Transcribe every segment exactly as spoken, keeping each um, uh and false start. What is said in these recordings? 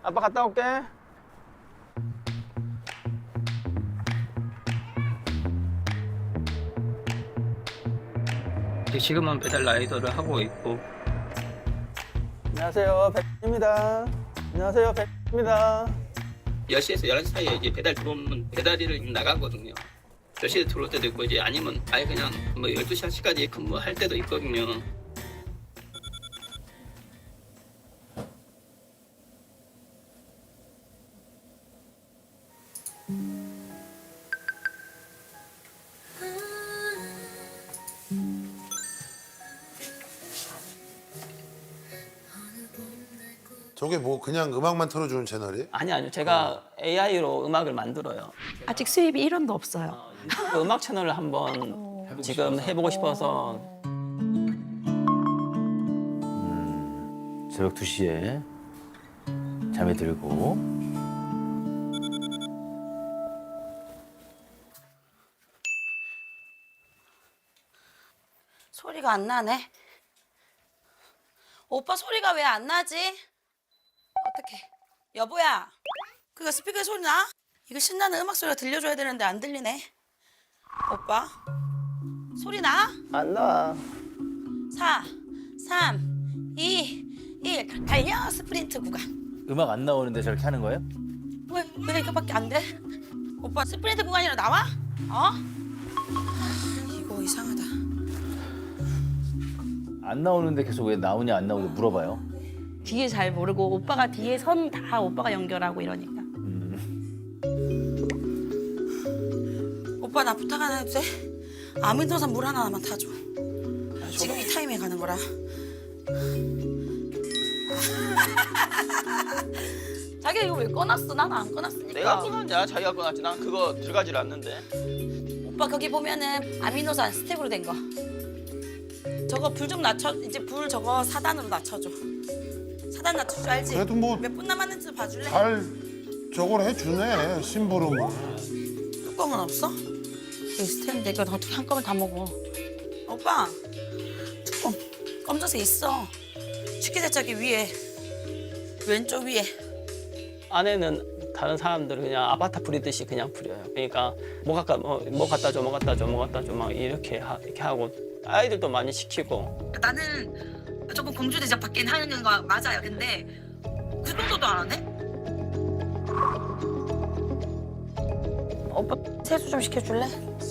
아빠 갔다 올게. 지금은 배달 라이더를 하고 있고. 안녕하세요, 백입니다. 안녕하세요, 백입니다. 열 시에서 열한 시 사이에 이제 배달 들어오면 배달일을 나가거든요. 열 시에 들어올 때도 있고 이제 아니면 아예 그냥 뭐 열두 시까지 근무할 때도 있거든요. 저게 뭐 그냥 음악만 틀어주는 채널이에요? 아니 아니요, 제가 에이아이로 음악을 만들어요. 아직 수입이 일 원도 없어요. 그 음악 채널을 한번 지금 해보고 싶어서. 새벽 두 시에 잠에 들고 소리가 안 나네. 오빠 소리가 왜 안 나지? 어떡해. 여보야, 그거 스피커에 소리 나? 이거 신나는 음악 소리가 들려줘야 되는데 안 들리네. 오빠, 소리 나? 안 나. 사, 삼, 이, 일. 달려, 스프린트 구간. 음악 안 나오는데 저렇게 하는 거예요? 왜, 왜 이거밖에 안 돼? 오빠 스프린트 구간이라 나와? 어? 이거 이상하다. 안 나오는데 계속 왜 나오냐 안 나오냐 물어봐요. 뒤에 잘 모르고 오빠가 뒤에 선 다 오빠가 연결하고 이러니까. 오빠 나 부탁 하나 해도 돼? 아미노산 물 하나만 타줘. 지금 이 타임에 가는 거라. 자기가 이거 왜 꺼놨어? 난 안 꺼놨으니까. 내가 꺼놨냐? 자기가 꺼놨지. 난 그거 들어가질 않는데. 오빠 거기 보면은 아미노산 스텝으로 된 거. 저거 불 좀 낮춰. 이제 불 저거 사 단으로 낮춰줘. 사 단 낮출 줄 알지? 그래도 뭐- 몇 분 남았는지 봐줄래? 잘 저걸 해주네, 심부름을. 뚜껑은 없어? 여기 스탠드 이거 어떻게 한꺼번에 다 먹어? 오빠 뚜껑 검정색 있어. 식기세척기 위에 왼쪽 위에. 안에는 다른 사람들 그냥 아바타 부리듯이 그냥 부려요. 그러니까 뭐 갖다 뭐, 뭐 갖다 줘, 뭐 갖다 줘, 뭐 갖다 줘 막 이렇게 하, 이렇게 하고 아이들도 많이 시키고. 나는 조금 공주 대접 받긴 하는 거 맞아요. 근데 그 정도도 안 하네? 오빠 세수 좀 시켜줄래?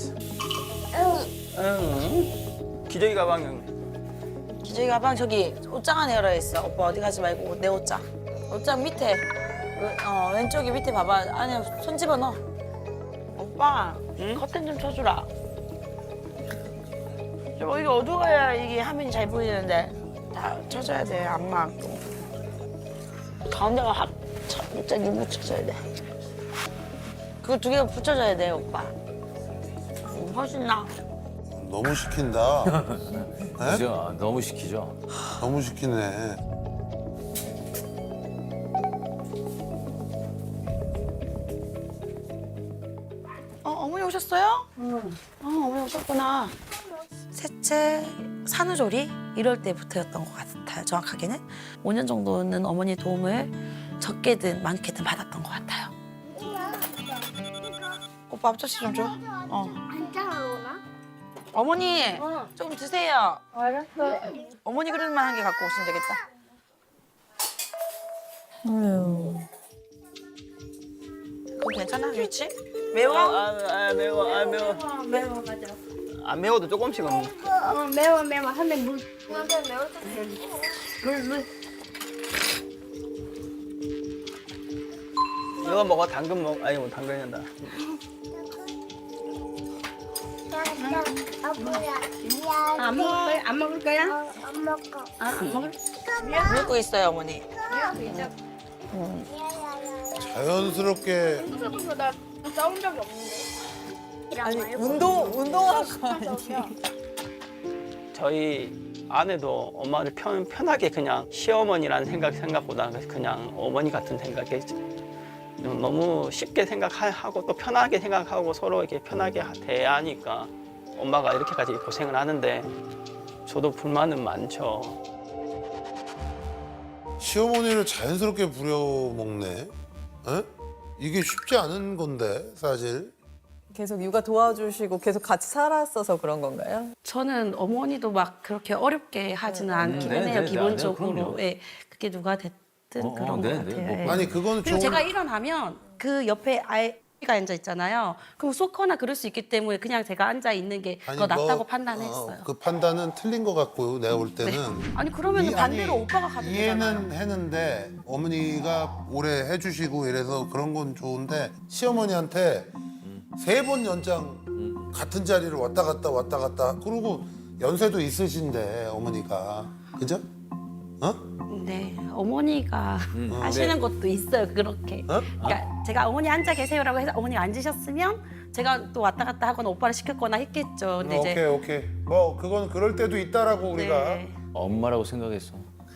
응. 기저귀 가방은 기저귀 가방 저기 옷장 안에 열어 있어. 오빠 어디 가지 말고 내 옷장. 옷장 밑에 왼- 어, 왼쪽에 밑에 봐봐. 안에 손 집어넣어. 오빠 응? 커튼 좀 쳐주라. 좀 이게 어두워야 이게 화면이 잘 보이는데 다 쳐줘야 돼. 안 맞고 가운데가 확 진짜 누구 쳐줘야 돼. 그거 두 개가 붙여줘야 돼 오빠. 훨씬 나. 너무 시킨다. 네? 그죠? 너무 시키죠. 너무 시키네. 어, 어머니 오셨어요? 응. 어, 어머니 오셨구나. 셋째, 산후조리 이럴 때부터였던 것 같아요. 정확하게는 오 년 정도는 어머니 도움을 적게든 많게든 받았던 것 같아요. 오빠 앞접시 좀 줘. 어. 안 자라오나? 어머니 어. 조금 드세요. 알았어. 어머니 그릇만 한 개 갖고 오시면 되겠다. 그거 괜찮아 위치? 매워? 아, 아, 매워, 아 매워. 어, 매워 맞아. 안 매워도 조금씩은. 어, 매워 매워 하면 물. 근데 매울 때 물, 물. 이거 먹어, 당근 먹. 아니 뭐 당근이 한다. 아빠야. 미안. 안 먹을 거야? 안 먹을 거야? 어, 안 먹어. 아, 안 먹을? 먹고 있어요 어머니. 자연스럽게 나 싸운 적이 없는데. 아니 운동 운동할 거 아니야? 저희 아내도 엄마를 편, 편하게 그냥 시어머니라는 생각 생각보다 그냥 어머니 같은 생각에 너무 쉽게 생각하고 또 편하게 생각하고 서로 이렇게 편하게 대하니까 엄마가 이렇게까지 고생을 하는데 저도 불만은 많죠. 시어머니를 자연스럽게 부려먹네. 에? 이게 쉽지 않은 건데 사실. 계속 육아 도와주시고 계속 같이 살았어서 그런 건가요? 저는 어머니도 막 그렇게 어렵게 하지는 않기는 네, 해요. 네, 네, 기본적으로. 그럼요. 예, 그게 누가 됐든 어, 어, 그런 네, 것 네, 같아요. 뭐 예. 아니 그거는 그리고 좋은. 제가 일어나면 그 옆에 아이가 앉아 있잖아요. 그럼 쏟거나 그럴 수 있기 때문에 그냥 제가 앉아 있는 게 아니, 더 낫다고 뭐, 판단했어요. 어, 그 판단은 틀린 것 같고요. 내가 볼 때는. 아니 그러면 이- 반대로 아니, 오빠가 가도 되잖아요. 이해는 했는데 어머니가 오래 해주시고 이래서 그런 건 좋은데 시어머니한테 세 번 연장 같은 자리를 왔다 갔다 왔다 갔다 그리고 연세도 있으신데 어머니가 그죠? 어? 네, 어머니가 하시는 것도 있어요. 그렇게. 어? 그러니까 제가 어머니 앉아 계세요라고 해서 어머니 앉으셨으면 제가 또 왔다 갔다 하거나 오빠를 시켰거나 했겠죠. 근데 오케이 이제 오케이 뭐 그건 그럴 때도 있다라고 우리가. 네. 엄마라고 생각했어.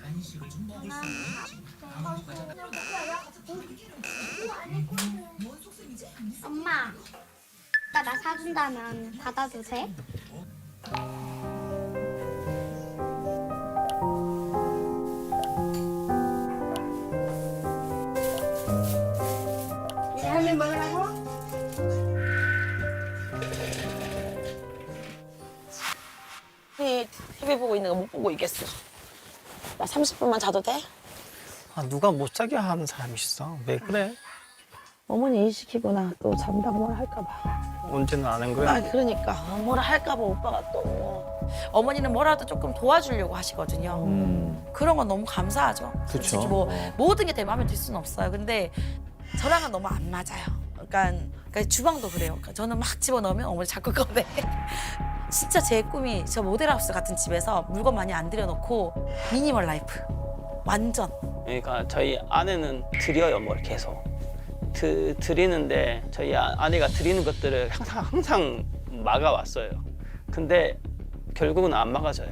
엄마, 나 나 사준다면 받아도 돼? 이제 할머니 먹으라고? 티비 보고 있는 거 못 보고 있겠어. 나 삼십 분만 자도 돼? 아, 누가 못 자게 하는 사람이 있어. 왜 그래? 어머니 일 시키거나 또 잠다 뭐라 할까 봐. 언제는 안 한 거야? 아 그러니까 뭐라 할까 봐 오빠가 또. 어머니는 뭐라도 조금 도와주려고 하시거든요. 음. 그런 건 너무 감사하죠. 솔직히 뭐 모든 게 내 마음에 들 수는 없어요. 근데 저랑은 너무 안 맞아요. 그러니까, 그러니까 주방도 그래요. 그러니까 저는 막 집어넣으면 어머니 자꾸 꺼내. 진짜 제 꿈이 저 모델하우스 같은 집에서 물건 많이 안 들여놓고 미니멀 라이프. 완전. 그러니까 저희 아내는 드려요, 뭘 계속. 드, 드리는데 저희 아- 아내가 드리는 것들을 항상 항상 막아왔어요. 근데 결국은 안 막아져요.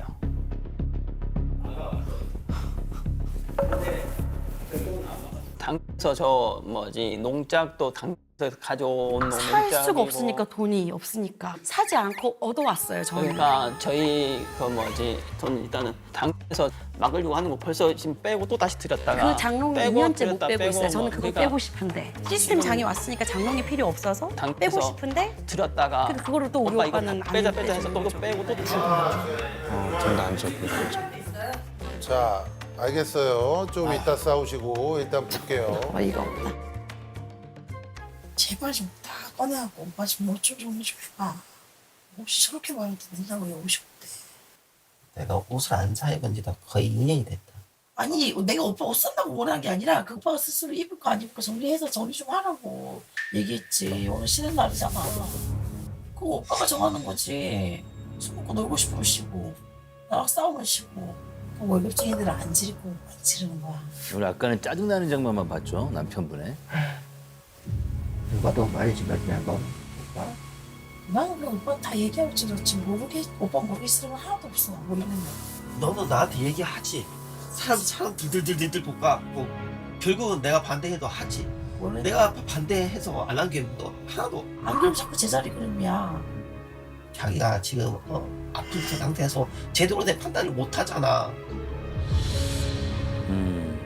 당에서 저 뭐지 농작도 당에서 가져온 살 수가 농작이고 없으니까 돈이 없으니까 사지 않고 얻어왔어요 저는. 그러니까 저희 그 뭐지 돈 일단은 당에서 막으려고 하는 거 벌써 지금 빼고 또 다시 들였다가 그 장롱이 빼고 이 년째 못 들였다 빼고 있어요. 저는 뭐 그거 그러니까 빼고 싶은데 시스템 장이 왔으니까 장롱이 필요 없어서 당에서 빼고 싶은데 들였다가 근데 그거를 또 우리 오빠 이거 오빠는 안 빼자 빼자 해서 빼주는 또, 또 거죠. 빼고 또 들고 자 알겠어요. 좀 이따 싸우시고 일단 볼게요. 어이가 없다. 제발 좀 다 꺼내갖고 오빠 좀 옷좀 좀 해줘봐. 옷이 저렇게 많이 된다고 옷이 없대. 내가 옷을 안 사 입은 지도 거의 이 년이 됐다. 아니 내가 오빠 옷 산다고 원한 게 아니라 그 오빠가 스스로 입을 거 안 입을 거 정리해서 정리 좀 하라고 얘기했지. 오늘 쉬는 날이잖아. 그거 오빠가 정하는 거지. 술 먹고 놀고 싶으면 쉬고 나랑 싸우면 쉬고 그 월급쟁이들은 안 지르고 안 지르는 거야. 오늘 아까는 짜증나는 장면만 봤죠, 남편분의. 누가 너 말이지 몇냐고. 오빠 나는 그 오빠 다 얘기할지 그렇지 모르게 오빠 모르기 싫으면 하나도 없어 모르는 거. 너도 나한테 얘기하지. 사람 사람 들들들들 볶아고 결국은 내가 반대해도 하지. 원래 내가 반대해서 안 한 게 너 하나도. 안 그러면 자꾸 제자리 그림이야. 자기가 지금 어, 아픈 그 상태에서 제대로 된 판단을 못 하잖아. 음.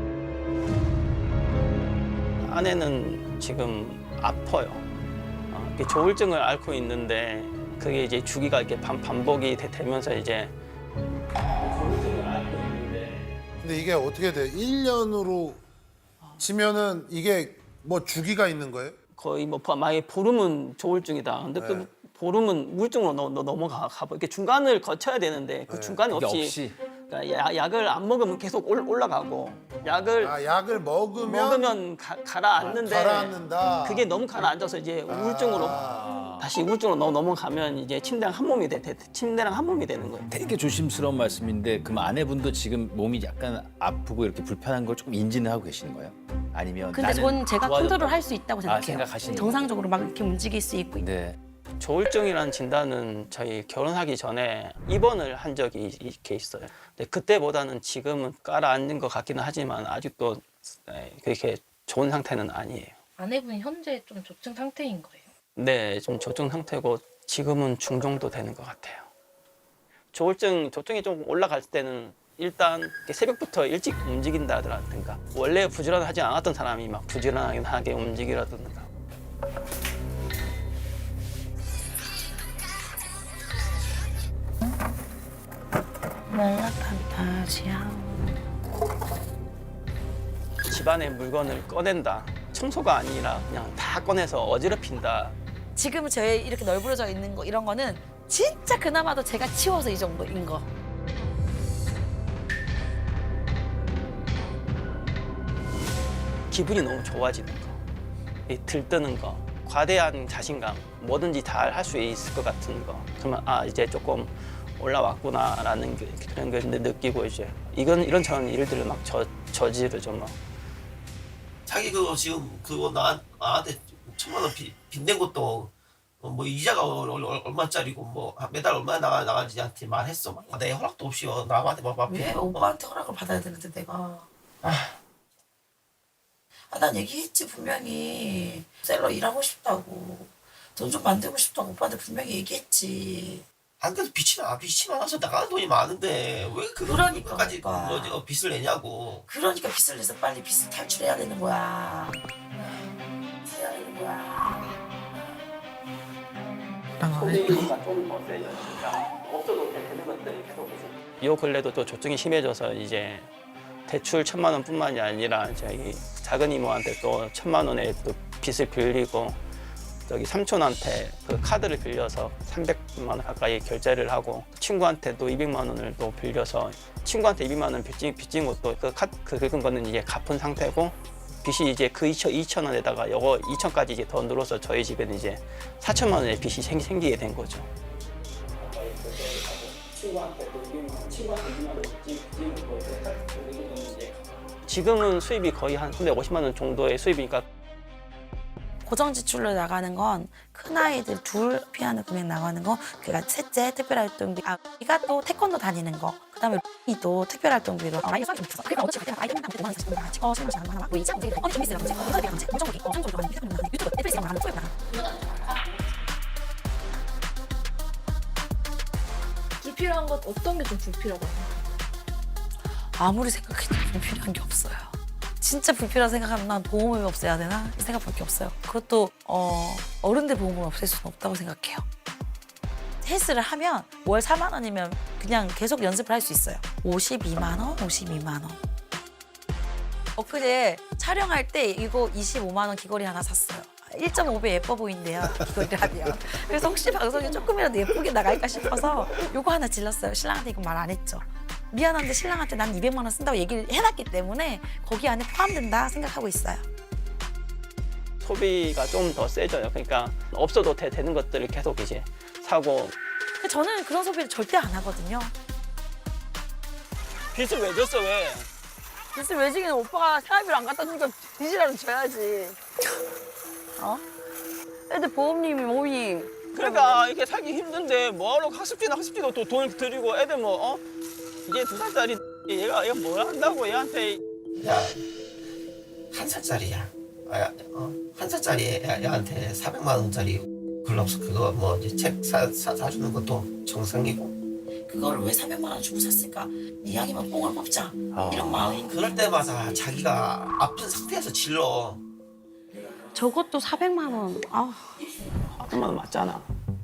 아내는 지금 아파요. 어, 이렇게 조울증을 앓고 있는데 그게 이제 주기가 이렇게 반, 반복이 되, 되면서 이제 조울증을 앓고 있는데 근데 이게 어떻게 돼? 일 년으로 치면은 이게 뭐 주기가 있는 거예요? 거의 뭐 만약에 보름은 조울증이다. 근데 네. 그 보름은 우울증으로 넘, 넘- 넘어가 가 이렇게 중간을 거쳐야 되는데 그 네. 중간이 그게 없이, 없이. 그러니까 야- 약을 안 먹으면 계속 올, 올라가고 약을 아 약을 먹으면, 먹으면 가, 가라앉는데 가라앉는다. 그게 너무 가라앉아서 이제 우울증으로 아. 다시 우울증으로 넘- 넘어가면 이제 침대랑 한 몸이 돼, 돼 침대랑 한 몸이 되는 거예요. 되게 조심스러운 말씀인데 그럼 아내분도 지금 몸이 약간 아프고 이렇게 불편한 걸 조금 인지는 하고 계시는 거예요? 아니면 근데 나는 전 제가 좋아졌다고- 컨트롤 할 수 있다고 생각해요. 생각하시는 정상적으로 막 이렇게 움직일 수 있고. 네. 조울증이라는 진단은 저희 결혼하기 전에 입원을 한 적이 이렇게 있어요. 근데 그때보다는 지금은 깔아앉는 것 같기는 하지만 아직도 네, 그렇게 좋은 상태는 아니에요. 아내분이 현재 좀 조증 상태인 거예요? 네, 좀 조증 상태고 지금은 중정도 되는 것 같아요. 조울증, 조증이 좀 올라갈 때는 일단 이렇게 새벽부터 일찍 움직인다든가 원래 부지런하지 않았던 사람이 막 부지런하게 움직이라든가 멜라판타지야. 집안의 물건을 꺼낸다. 청소가 아니라 그냥 다 꺼내서 어지럽힌다. 지금 저희 이렇게 널브러져 있는 거 이런 거는 진짜 그나마도 제가 치워서 이 정도인 거. 기분이 너무 좋아지는 거, 이 들뜨는 거, 과대한 자신감, 뭐든지 다 할 수 있을 것 같은 거. 그러면 아 이제 조금 올라왔구나라는 게, 그런 걸 느끼고 이제 이건 이런 저런 일들을 막 저, 저지르죠 뭐. 자기 그거 지금 그거 나, 나한테 천만 원 빚, 빚낸 것도 어, 뭐 이자가 얼- 얼- 얼마짜리고 뭐 매달 얼마 나가 나가는지한테 말했어. 막. 내 허락도 없이 어, 남한테 막 막. 왜 오빠한테 허락을 받아야 되는데 내가. 아, 아, 난 얘기했지 분명히. 셀러 일하고 싶다고. 돈 좀 만들고 싶다고 오빠한테 분명히 얘기했지. 안 그래도 빚이 나 빚이 많아서 나가는 돈이 많은데 왜 그러니까, 그거까지 오빠. 뭐, 어, 빚을 내냐고. 그러니까 빚을 내서 빨리 빚을 탈출해야 되는 거야. 해야 되는 거야. 소비가 좀 세지니까 없어도 되는 것들이 계속 이 근래도 또 조증이 심해져서 이제 대출 천만 원뿐만이 아니라 저기 작은 이모한테 또 천만 원의 또 빚을 빌리고 저기 삼촌한테 그 카드를 빌려서 삼백만 원 가까이 결제를 하고 친구한테도 이백만 원을 또 빌려서 친구한테 이백만 원 빚진, 빚진 것도 그 카드 그 긁은 거는 이제 갚은 상태고 빚이 이제 그 이천 원에다가 요거 이천까지 이제 더 늘어서 저희 집에는 이제 사천만 원의 빚이 생, 생기게 된 거죠. 지금은 수입이 거의 한 삼백오십만 원 정도의 수입이니까 고정 지출로 나가는 건 큰 아이들 둘 피하는 금액 나가는 거, 그러니까 셋째 특별활동비, 아, 이가 또 태권도 다니는 거, 그다음에 이도 특별활동비로 아, 아이 수학이 좀 있어. 그러니까 어차피 그때 아이 때문에 오만 원 사십 원 찍어 설명 잘하는 거 하나, 뭐 이자 문제, 언니 좀 있으라고 이제 언니 문제, 공정적이, 공정적으로 하는 유튜브 나가는 유튜브 넷플릭스 나가는 거 나가. 불필요한 것 어떤 게 좀 불필요하다고? 아무리 생각해도 불필요한 게 없어요. 진짜 불필요한 생각하면 난 보험을 없애야 되나? 이 생각밖에 없어요. 그것도 어, 어른들 보험을 없앨 수는 없다고 생각해요. 헬스를 하면 월 사만 원이면 그냥 계속 연습을 할 수 있어요. 오십이만 원, 오십이만 원. 엊그제 촬영할 때 이거 이십오만 원 귀걸이 하나 샀어요. 일 점 오 배 예뻐 보인대요, 귀걸이를 하면. 그래서 혹시 방송에 조금이라도 예쁘게 나갈까 싶어서 이거 하나 질렀어요. 신랑한테 이거 말 안 했죠. 미안한데 신랑한테 난 이백만 원 쓴다고 얘기를 해놨기 때문에 거기 안에 포함된다 생각하고 있어요. 소비가 좀 더 세져요. 그러니까 없어도 되, 되는 것들을 계속 이제 사고. 저는 그런 소비를 절대 안 하거든요. 빚을 왜 줬어 왜? 글쎄 외지기는 오빠가 생활비를 안 갖다 주니까 빚이라도 줘야지. 어? 애들 보험님이 몸이 그러니까 이렇게 살기 힘든데 뭐하러 학습지나 학습지도 또 돈을 들이고 애들 뭐 어? 이제 두 살짜리 얘가 얘가 뭘 한다고 얘한테. 야, 한 살짜리야. 아, 어, 한 살짜리 애, 애한테 사백만 원짜리 글럽스 그거 뭐 이제 책 사, 사, 사주는 것도 정상이고. 그거를 왜 사백만 원 주고 샀을까? 이왕이면 뽕을 뽑자. 아. 이런 마음이. 그럴 때마다 자기가 아픈 상태에서 질러. 저것도 사백만 원. 아, 사백만 원 맞잖아.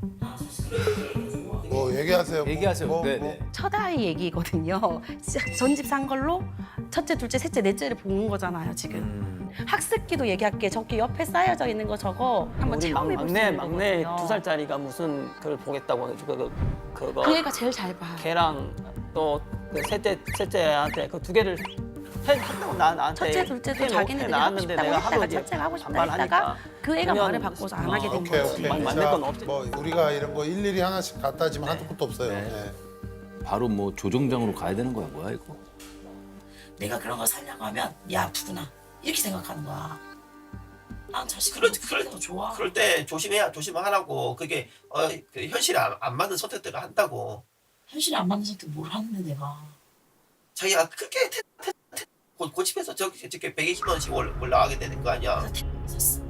뭐 얘기하세요. 뭐, 얘기하세요. 뭐, 네, 뭐. 네. 첫 아이 얘기거든요. 전집 산 걸로 첫째, 둘째, 셋째, 넷째를 본 거잖아요, 지금. 음. 학습기도 얘기할게. 저기 옆에 쌓여져 있는 거 저거 한번 우리 체험해 볼 수 막내 있는 막내 거거든요. 두 살짜리가 무슨 그걸 보겠다고 해가지고 그 그거 그 애가 제일 잘 봐. 걔랑 또 그 셋째 셋째한테 그 두 개를 해 했다고 나 나한테 첫째, 둘째도 해놓- 자기네들이 하고 해놨는데 싶다고 내가 했다가 하도 이제 첫째가 하고 싶다 반발하니까 했다가 그 애가 그러면- 말을 바꿔서 안 하게 된 오케이 거지. 오케이. 만- 만들 자, 건 없지. 뭐 우리가 이런 거 일일이 하나씩 갖다 지면 한도 끝도 없어요. 네. 네. 바로 뭐 조정장으로 가야 되는 거야 뭐야 이거? 내가 그런 걸 살려고 하면 얘 아프구나. 이렇게 생각하는 거야. 난 자식이 그럴, 그럴 그럴, 때가 좋아. 그럴 때 조심해야 조심하라고. 그게 어, 그 현실에 안, 안 맞는 선택들을 한다고. 현실에 안 맞는 선택 뭘 하는데 내가. 자기가 크게 태, 태, 태, 고- 고집해서 저기 저기 백이십만 원씩 올, 올라가게 되는 거 아니야. 그래서 샀어.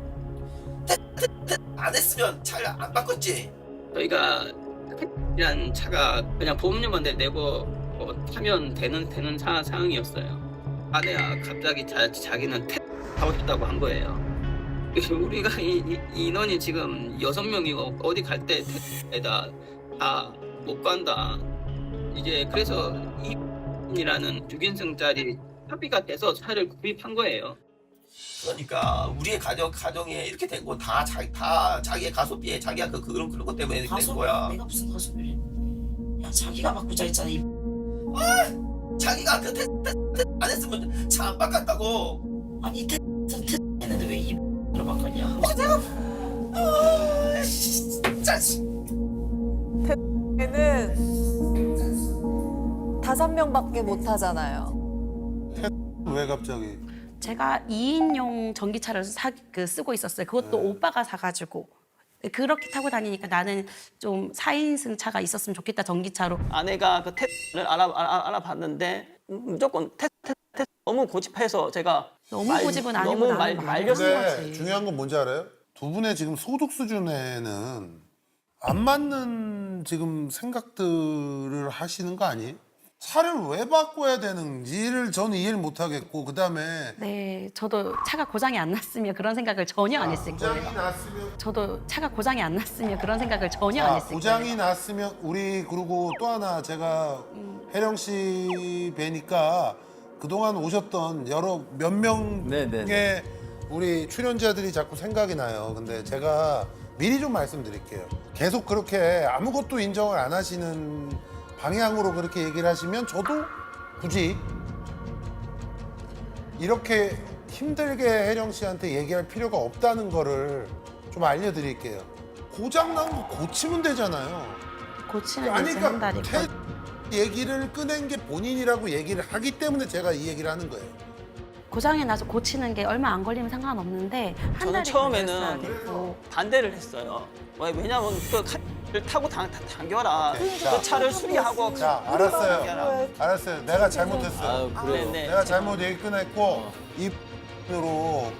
안 했으면 잘 안 바꿨지. 저희가 이란 차가 그냥 보험료만 내고 어, 뭐 타면 되는 되는 사, 상황이었어요. 아내가 갑자기 자, 자기는 택 하고 싶다고 한 거예요. 우리가 이, 이, 인원이 지금 여섯 명이고 어디 갈 때 택에다 다 못 간다. 이제 그래서 이라는 육 인승짜리 합의가 돼서 차를 구입한 거예요. 그러니까 우리의 가정 가정에 이렇게 된 거 다 자기 다 자기의 가소비에 자기가 그 그런 그런 것 때문에 된 가소비 거야. 내가 무슨 가소비를? 야 자기가 바꾸자 했잖아. 이 아, 자기가 그 테스트 안 했으면 차 안 바꿨다고. 아니 테스트 테스트 했는데 왜 이로 바꿨냐? 아, 내가 아, 진짜. 걔는 다섯 명밖에 못 타잖아요. 왜 갑자기? 제가 이 인용 전기차를 사, 그 쓰고 있었어요. 그것도 오빠가 사가지고. 그렇게 타고 다니니까 나는 좀 사 인승 차가 있었으면 좋겠다, 전기차로. 아내가 그 테스트를 알아, 알아, 알아봤는데 무조건 테스트, 테스트, 테스트 너무 고집해서 제가 너무 고집은 아니고 너무 나는 말, 마음이 말렸어요. 없는 근데 거지. 중요한 건 뭔지 알아요? 두 분의 지금 소득 수준에는 안 맞는 지금 생각들을 하시는 거 아니에요? 차를 왜 바꿔야 되는지를 저는 이해를 못 하겠고, 그 다음에 네, 저도 차가 고장이 안 났으면 그런 생각을 전혀 안 했을 고장이 거예요. 났으면 저도 차가 고장이 안 났으면 그런 생각을 전혀 안 자, 했을 고장이 거예요. 났으면 우리 그리고 또 하나 제가 혜령 씨 뵈니까 그동안 오셨던 여러 몇 네, 네, 명의 네. 우리 출연자들이 자꾸 생각이 나요. 근데 제가 미리 좀 말씀드릴게요. 계속 그렇게 아무것도 인정을 안 하시는 방향으로 그렇게 얘기를 하시면 저도 굳이 이렇게 힘들게 혜령 씨한테 얘기할 필요가 없다는 거를 좀 알려드릴게요. 고장 난 거 고치면 되잖아요. 고치는 아니 이제 한 그러니까 달이고. 캐 얘기를 꺼낸 게 본인이라고 얘기를 하기 때문에 제가 이 얘기를 하는 거예요. 고장이 나서 고치는 게 얼마 안 걸리면 상관없는데 한 저는 달이 처음에는 걸렸어야 되고. 반대를 했어요. 왜- 왜냐면 그 카를 타고 당, 당, 당겨라. 오케이. 그 자. 차를 수리하고 자, 당겨라. 알았어요. 알았어요. 내가 잘못했어요. 아유 그래요. 네, 네. 내가 잘못 얘기 꺼냈고 이으로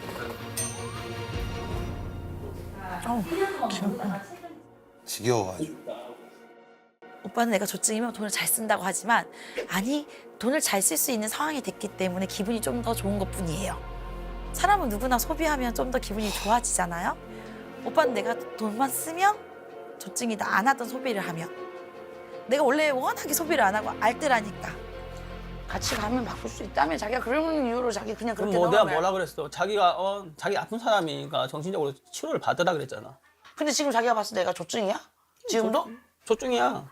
지겨워가지고. 오빠는 내가 조증이면 돈을 잘 쓴다고 하지만 아니 돈을 잘 쓸 수 있는 상황이 됐기 때문에 기분이 좀 더 좋은 것뿐이에요. 사람은 누구나 소비하면 좀 더 기분이 좋아지잖아요. 오빠는 내가 돈만 쓰면 조증이다 안 하던 소비를 하면 내가 원래 워낙에 소비를 안 하고 알뜰하니까 같이 가면 바꿀 수 있다면 자기가 그런 이유로 자기 그냥 그럼 그렇게 뭐 내가 넘어가요. 뭐라 그랬어? 자기가 어 자기 아픈 사람이니까 정신적으로 치료를 받으라 그랬잖아. 근데 지금 자기가 봤을 때 내가 조증이야? 지금도? 조증이야.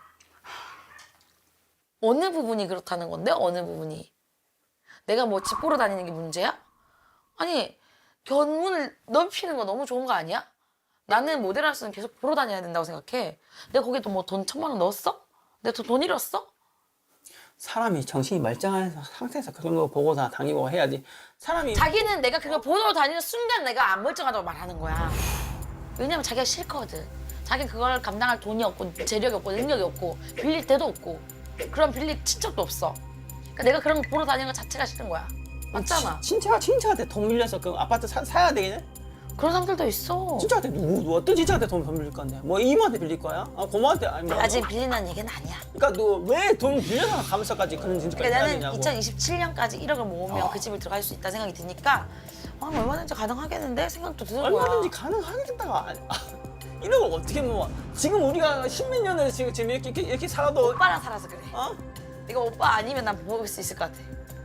어느 부분이 그렇다는 건데? 어느 부분이? 내가 뭐 집 보러 다니는 게 문제야? 아니 견문을 넓히는 거 너무 좋은 거 아니야? 나는 모델하우스는 계속 보러 다녀야 된다고 생각해. 내가 거기에 뭐 돈 천만 원 넣었어? 내가 돈, 돈 잃었어? 사람이 정신이 말짱한 상태에서 그런 거 보고서 다니고 해야지. 사람이 자기는 내가 그걸 보러 다니는 순간 내가 안 멀쩡하다고 말하는 거야. 왜냐면 자기가 싫거든. 자기는 그걸 감당할 돈이 없고 재력이 없고 능력이 없고 빌릴 데도 없고 그런 빌릴 친척도 없어. 그러니까 내가 그런 거 보러 다니는 것 자체가 싫은 거야. 맞잖아. 친- 친척 친척한테 돈 빌려서 그 아파트 사, 사야 되겠네? 그런 사람들도 있어. 친척한테 누구 누구 어떤 친척한테 돈 빌릴 건데? 뭐 이모한테 빌릴 거야? 아 고모한테 아니면 아직 빌리는 얘기는 아니야. 그러니까 너 왜 돈 빌려서 가면서까지 그런 짓까지 그러니까 해야 나는 되냐고. 이천이십칠 년까지 일억을 모으면 그 집을 들어갈 수 있다 생각이 드니까 아, 얼마든지 가능하겠는데 생각도 드는 거야. 얼마든지 가능하겠다가 아니- 아, 이런 걸 어떻게 모아? 지금 우리가 십몇 년을 지금 지금 이렇게 이렇게, 이렇게 살아도 오빠랑 살아서 그래. 어? 내가 오빠 아니면 난 먹을 수 있을 것 같아.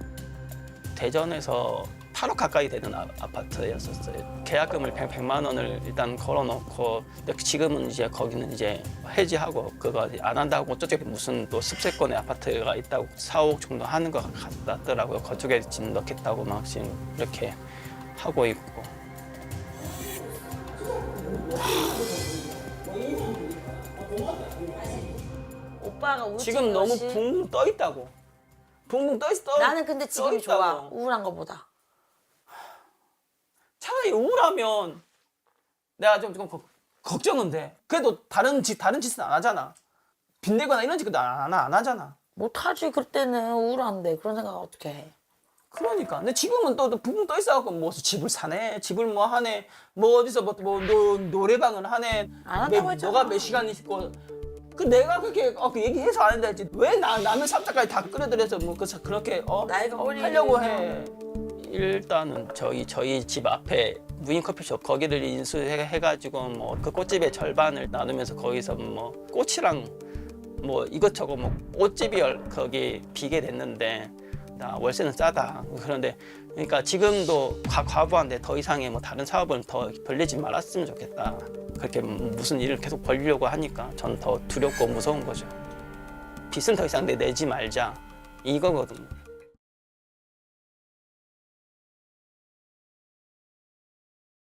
대전에서 팔억 가까이 되는 아, 아파트였었어요. 계약금을 백, 백만 원을 일단 걸어놓고 근데 지금은 이제 거기는 이제 해지하고 그거 안 한다고 저쪽에 무슨 또 습세권의 아파트가 있다고 사억 정도 하는 것 같더라고요. 그쪽에 지금 넣겠다고 막 지금 이렇게 하고 있고. 오빠가 우울증 지금 너무 것이- 붕붕 떠 있다고. 붕붕 떠 있어. 나는 근데 지금이 떠 있다고. 좋아. 우울한 거보다. 차라리 우울하면 내가 좀, 좀 걱- 걱정은 돼. 그래도 다른 짓 다른 짓은 안 하잖아. 빚내거나 이런 짓도 안, 안, 안 하잖아. 못하지 그때는 우울한데 그런 생각 어떻게 해? 그러니까. 근데 지금은 또, 또 붕붕 떠 있어갖고 뭐 집을 사네, 집을 뭐 하네, 뭐 어디서 뭐, 뭐 노, 노래방을 하네. 안 한다고 매- 했잖아. 너가 몇 시간 있고 그 내가 그렇게 어, 그 얘기해서 안 된다지 왜 나 라면 삼 장까지 다 끓여들여서 뭐 그, 그렇게 어 나이가 하려고 해. 일단은 저희 저희 집 앞에 무인 커피숍 거기를 인수해 해가지고 뭐 그 꽃집의 절반을 나누면서 거기서 뭐 꽃이랑 뭐 이것저것 뭐 옷집이 열- 거기 비게 됐는데 나 월세는 싸다. 그런데 그러니까 지금도 과, 과부한데 더 이상의 뭐 다른 사업을 더 벌리지 말았으면 좋겠다. 그렇게 무슨 일을 계속 벌리려고 하니까 전 더 두렵고 무서운 거죠. 빚은 더 이상 내- 내지 말자 이거거든요.